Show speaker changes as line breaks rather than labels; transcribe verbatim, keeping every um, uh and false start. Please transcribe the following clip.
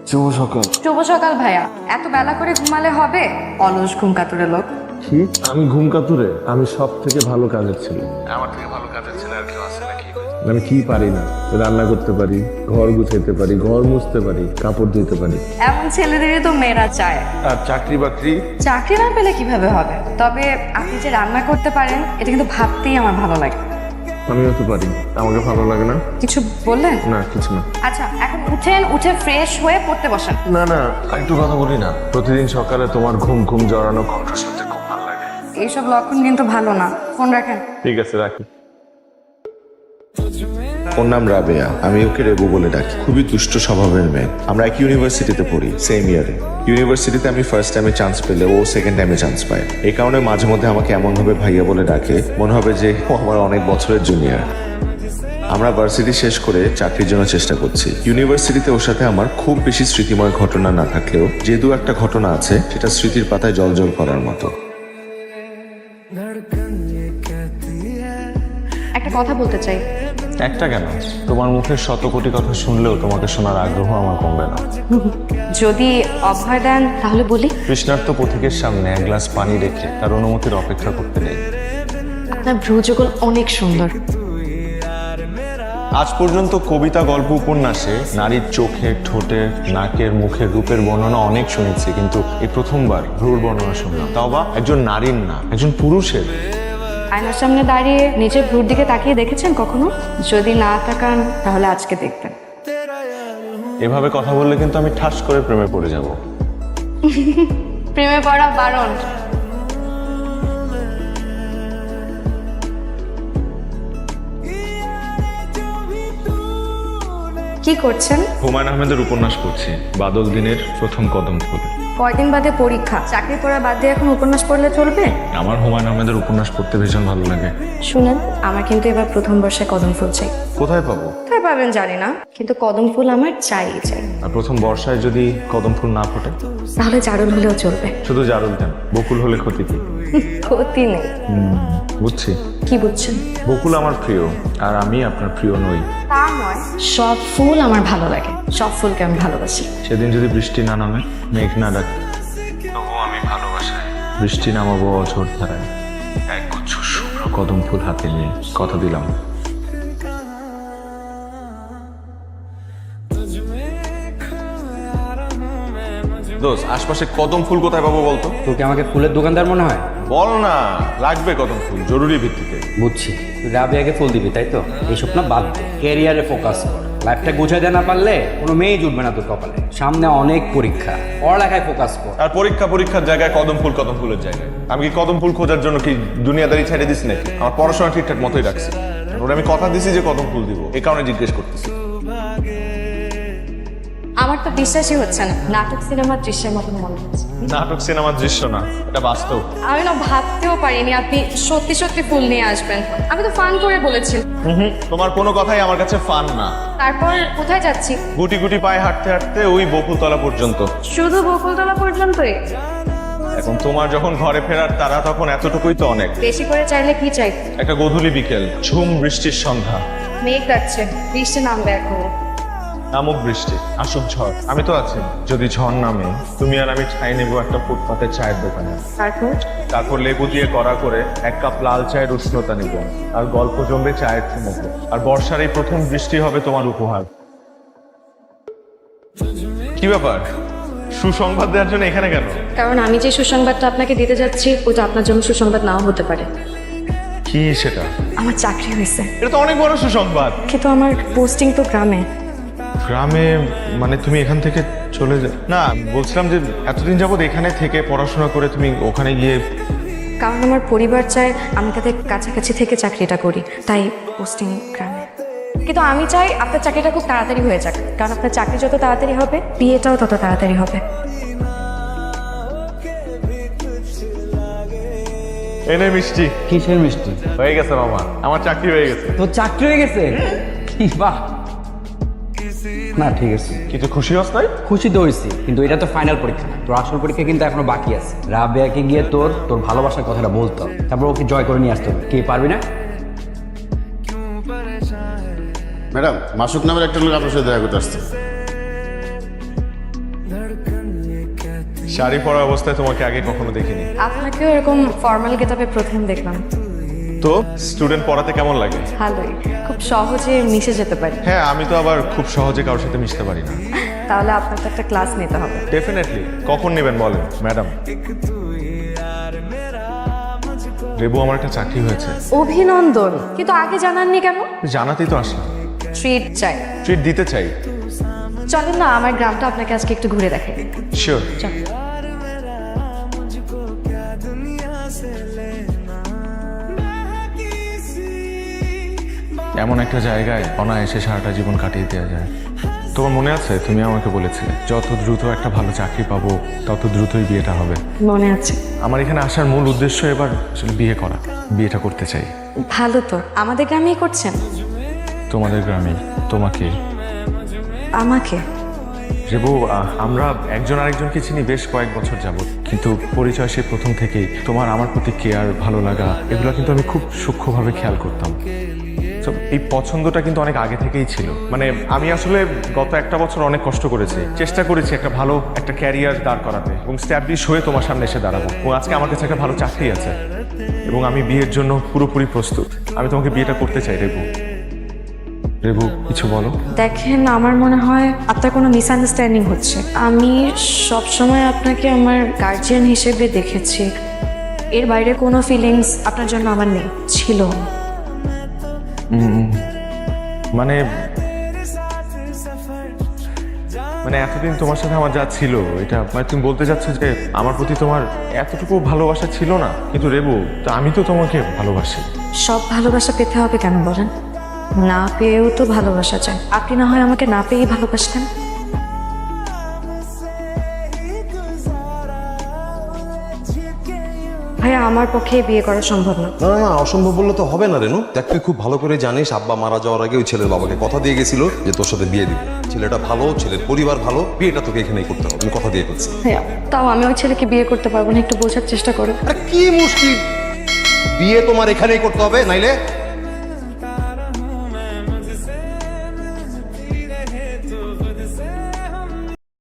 শুভ সকাল।
শুভ সকাল ভাইয়া। এত বেলা করে ঘুমালে হবে? অলস ঘুম কাতুরে লোক।
কি? আমি ঘুম কাতুরে? আমি সব থেকে ভালো কাজের ছেলে। আমার থেকে ভালো কাজের ছেলে আর কেউ আছে নাকি? আমি কি পারি না? রান্না করতে পারি, ঘর গুছাইতে পারি, ঘর মুছতে পারি, কাপড় ধুতে পারি।
এমন ছেলেদেরই তো মেয়েরা চায়।
আর চাকরি বাকরি?
চাকরি না পেলে কিভাবে হবে? তবে আপনি যে রান্না করতে পারেন এটা কিন্তু ভাবতেই আমার ভালো লাগে।
আমিও তো পারি, আমাকে ভালো লাগে না?
কিছু বললেন?
না কিছু না।
আচ্ছা এখন উঠেন, উঠে ফ্রেশ হয়ে পড়তে বসেন।
না না, একটু কথা বলি না। প্রতিদিন সকালে তোমার ঘুম ঘুম জড়ানো কণ্ঠ শুনতে খুব ভালো লাগে।
এইসব লক্ষণ কিন্তু ভালো না। ফোন রাখেন।
ঠিক আছে, রাখি।
ওর নাম রাবেয়া, আমি ওকে রেবু বলে ডাকি। খুবই দুষ্ট স্বভাবের মেয়ে। আমরা এক ইউনিভার্সিটিতে পড়ি, সেম ইয়ারে। ইউনিভার্সিটিতে আমি ফার্স্ট টাইমে চান্স পেলে ও সেকেন্ড টাইমে চান্স পায়। এই কারণে মাঝে মধ্যে আমাকে এমনভাবে ভাইয়া বলে ডাকে, মনে হবে যে ও আমার অনেক বছরের জুনিয়র। আমরা ভার্সিটি শেষ করে চাকরির জন্য চেষ্টা করছি। ইউনিভার্সিটিতে ওর সাথে আমার খুব বেশি স্মৃতিময় ঘটনা না থাকলেও যে দু একটা ঘটনা আছে সেটা স্মৃতির পাতায় জলজল করার মতো।
একটা কথা বলতে চাই।
একটা কেন, তোমার মুখের শত কোটি কথা শুনলেও তোমাকে শোনার আগ্রহ আমার কমবে না।
যদি অভয় দেন তাহলে বলি।
কৃষ্ণার্থ পথিকের সামনে এক গ্লাস পানি রেখে তার অনুমতির অপেক্ষা করতে নেই।
আপনার ভ্রুযুগল অনেক সুন্দর।
আজ পর্যন্ত কবিতা, গল্প, উপন্যাসে নারীর চোখে, ঠোঁটে, নাকের, মুখের রূপের বর্ণনা অনেক শুনেছি, কিন্তু এই প্রথমবার ভ্রুর বর্ণনা শুনলাম, তাও বা একজন নারীর না, একজন পুরুষের।
আয়নার সামনে দাঁড়িয়ে নিজের ভ্রুর দিকে তাকিয়ে দেখেছেন কখনো? যদি না তাকান তাহলে আজকে দেখতেন।
এভাবে কথা বললে কিন্তু আমি ঠাস করে প্রেমে পড়ে যাব।
প্রেমে পড়া বারণ। কি করছেন?
হুমায়ুন আহমেদের উপন্যাস পড়ছি, বাদল দিনের প্রথম কদম ফুল।
কয়দিন বাদে পরীক্ষা, চাকরি পড়া বাদ দিয়ে এখন উপন্যাস পড়লে চলবে?
আমার হুমায়ুন আহমেদের উপন্যাস পড়তে ভীষণ ভালো লাগে।
শুনেন, আমার কিন্তু এবার প্রথম বর্ষে কদম ফুল চাই।
কোথায় পাবো?
কোথায় পাবেন জানি না, কিন্তু কদম ফুল আমার চাই চাই।
আর প্রথম বর্ষায় যদি কদম ফুল না ফোটে?
তাহলে জারুল হলেও চলবে।
শুধু জারুল কেন, বকুল হলে ক্ষতি কি?
ক্ষতি নেই।
বুঝছি।
কি বুঝছেন?
বকুল আমার প্রিয়, আর আমি আপনার প্রিয় নই।
তা নয়, সব ফুল আমার ভালো লাগে, সব ফুলকে আমি ভালোবাসি।
সেদিন যদি বৃষ্টি না নামে, মেঘ না ডাকে, তবুও আমি ভালোবাসাই বৃষ্টি নামাবো অঝোর ধারায়, এক গুচ্ছ শুভ্র কদম ফুল হাতে নিয়ে। কথা দিলাম। দোস্ত, আশপাশে কদম ফুল কোথায় পাবো বলতো?
তোর কি আমাকে ফুলের দোকানদার মনে হয়?
বল না, লাগবে কদম ফুল জরুরি ভিত্তিতে।
বুঝছি, তুই রাবিয়াকে ফুল দিবি তাই তো? এইসব না বাদ দে, ক্যারিয়ারে ফোকাস কর। লাইফটা গুছাইতে না পারলে কোনো মেয়ে জুটবে না তোর কপালে। সামনে অনেক পরীক্ষা, পড়ালেখায় ফোকাস কর।
আর পরীক্ষা পরীক্ষার জায়গায় কদম ফুল কদম ফুলের জায়গায়। আমি কি কদম ফুল খোঁজার জন্য কি দুনিয়াদারি ছেড়ে দিছি নাকি? আমার পড়াশোনা ঠিকঠাক মতোই রাখছি। ওরা আমি কথা দিছি যে কদম ফুল দিব, এই কারণে জিজ্ঞেস করতেছি।
আমার তো বিশ্বাসই হচ্ছে না, নাটক সিনেমার দৃশ্যের মতন মনে হচ্ছে।
নাটক সিনেমার দৃশ্য না, এটা বাস্তব।
আমি না ভাবতেও পারিনি আপনি সত্যি সত্যি ফুল নিয়ে আসবেন। আমি তো ফান করে বলেছি।
তোমার কোনো কথাই আমার কাছে ফান না।
তারপর কোথায় যাচ্ছি?
গুটি গুটি পায়ে হাঁটতে হাঁটতে ওই বকুলতলা পর্যন্ত।
শুধু বকুলতলা পর্যন্তই?
এখন তোমার যখন ঘরে ফেরার তারা, তখন এতটুকুই তো অনেক।
বেশি করে চাইলে কি চাই?
একটা গধূলি বিকেল, ঝুম বৃষ্টির সন্ধ্যা।
মেঘ ডাকছে, বৃষ্টি নামবে এখন।
নামুক বৃষ্টি, আসুক ঝড়, আমি তো আছি। যদি ঝড় নামে, তুমি আর আমি ঠাই নেবো একটা ফুটপাতে চায়ের দোকানে।
তারপর?
তারপর লেবু দিয়ে কড়া করে এক কাপ লাল চায়ের উষ্ণতা নিব, আর গল্প জমবে চায়ের চুমুকে। আর বর্ষার এই প্রথম বৃষ্টি হবে তোমার উপহার। কি ব্যাপার, সুসংবাদ দেওয়ার জন্য এখানে কেন?
কারণ আমি যে সুসংবাদটা আপনাকে দিতে যাচ্ছি ওটা আপনার জন্য সুসংবাদ নাও হতে পারে।
কি সেটা?
আমার চাকরি হয়েছে।
এটা তো অনেক বড় সুসংবাদ।
কিন্তু আমার পোস্টিং তো গ্রামে।
গ্রামে মানে তুমি এখান থেকে চলে যা? না, বলছিলাম যে এতদিন যাবত এখানে থেকে পড়াশোনা করে তুমি ওখানে গিয়ে।
কারণ আমার পরিবার চায় আমি তাদের কাছাকাছি থেকে চাকরিটা করি, তাই পোস্টিং গ্রামে। কিন্তু আমি চাই আপনার চাকরিটা খুব তাড়াতাড়ি হয়ে যাক, কারণ আপনার চাকরি যত তাড়াতাড়ি হবে বিয়েটাও তত তাড়াতাড়ি হবে।
এনে মিষ্টি।
কিসের মিষ্টি?
হয়ে গেছে মামা, আমার চাকরি হয়ে গেছে।
তোর চাকরি হয়ে গেছে? কি বাহ! না ঠিক আছে,
কিছু খুশি হস নাই?
খুশি তো হয়েছি, কিন্তু এটা তো ফাইনাল পরীক্ষা না। তোর আসল পরীক্ষা কিন্তু এখনো বাকি আছে। রাবেয়াকে গিয়ে তোর তোর ভালোবাসার কথাটা বলতে হবে, তারপর ওকে জয় করে নিয়ে আসতে হবে। কে পারবি না?
ম্যাডাম, মাসুক নামের একটা লোক আপনার সাথে দেখা করতে আসছে।
শাড়ি পরা অবস্থায় তোমাকে আগে কখনো দেখিনি।
আপনাকেও এরকম ফর্মাল গেটআপে প্রথম দেখলাম।
তো স্টুডেন্ট পড়াতে কেমন লাগে?
ভালোই, খুব সহজে মিশে যেতে পারি।
হ্যাঁ, আমি তো আবার খুব সহজে কারোর সাথে মিশতে পারি না।
তাহলে আপনার তো একটা ক্লাস নিতে হবে।
ডেফিনেটলি। কখন নেবেন বলেন ম্যাডাম? রেবু, আমার একটা চাকরি হয়েছে।
অভিনন্দন, কিন্তু আগে জানাননি কেন?
জানাতেই তো আসলাম।
ট্রিট চাই।
ট্রিট দিতে চাই।
চলেন না, আমার গ্রামটা আপনাকে আজকে একটু ঘুরে দেখাই।
শিওর।
চল।
এমন একটা জায়গায় অনায়াসে সারাটা জীবন কাটিয়ে দেওয়া যায়। তোমার মনে আছে তুমি আমাকে বলেছিলে যত দ্রুত একটা ভালো চাকরি পাবো তত দ্রুতই বিয়েটা হবে।
মনে আছে।
আমার এখানে আসার মূল উদ্দেশ্য এবার আসলে বিয়ে করা। বিয়েটা করতে চাই।
ভালো তো, আমাদের গ্রামেই করছেন?
তোমাদের গ্রামে। তোমাকে।
আমাকে?
রেবু, আহ, আমরা একজন আরেকজনকে চিনি বেশ কয়েক বছর যাবত, কিন্তু পরিচয় সে প্রথম থেকেই তোমার আমার প্রতি কেয়ার, ভালো লাগা এগুলো কিন্তু আমি খুব সূক্ষ্মভাবে খেয়াল করতাম। তো এই পছন্দটা কিন্তু অনেক আগে থেকেই ছিল। মানে আমি আসলে গত একটা বছর অনেক কষ্ট করেছি, চেষ্টা করেছি একটা ভালো একটা ক্যারিয়ার দাঁড় করাতে এবং স্ট্যাবলিশ হয়ে তোমার সামনে এসে দাঁড়াবো। এবং আজকে আমার কাছে একটা ভালো চাকরি আছে এবং আমি বিয়ের জন্য পুরোপুরি প্রস্তুত। আমি তোমাকে বিয়েটা করতে চাই। রেবু, রেবু কিছু বলো।
দেখেন, আমার মনে হয় আপনার কোনো মিসআন্ডারস্ট্যান্ডিং হচ্ছে। আমি সবসময় আপনাকে আমার গার্জিয়ান হিসেবে দেখেছি, এর বাইরে কোনো ফিলিংস আপনার জন্য আমার নেই, ছিল।
মানে মানে এতদিন তোমার সাথে আমার যা ছিল এটা মানে তুমি বলতে চাচ্ছ যে আমার প্রতি তোমার এতটুকু ভালোবাসা ছিল না? কিন্তু রেবু, তা আমি তো তোমাকে ভালোবাসি।
সব ভালোবাসা পেতে হবে কেন বলেন? না পেয়েও তো ভালোবাসা যায়। আপনি না হয় আমাকে না পেয়েই ভালোবাসতেন। ভাইয়া, আমার পক্ষে বিয়ে করা সম্ভব না।
না না না, অসম্ভব বললে তো হবে না রেনু। দেখ, তুই খুব ভালো করে জানিস আব্বা মারা যাওয়ার আগে ওই ছেলের বাবাকে কথা দিয়ে গেছিল যে তোর সাথে বিয়ে দিবে। ছেলেটা ভালো, ছেলের পরিবার ভালো, বিয়েটা তোকে এখানেই করতে হবে। আমি কথা দিয়ে ফেলছি।
ভাইয়া, তাও আমি ওই ছেলেকে বিয়ে করতে পারবো না, একটু বোঝার চেষ্টা করো।
আরে কি মুশকিল, বিয়ে তোমার এখানেই করতে হবে, নাইলে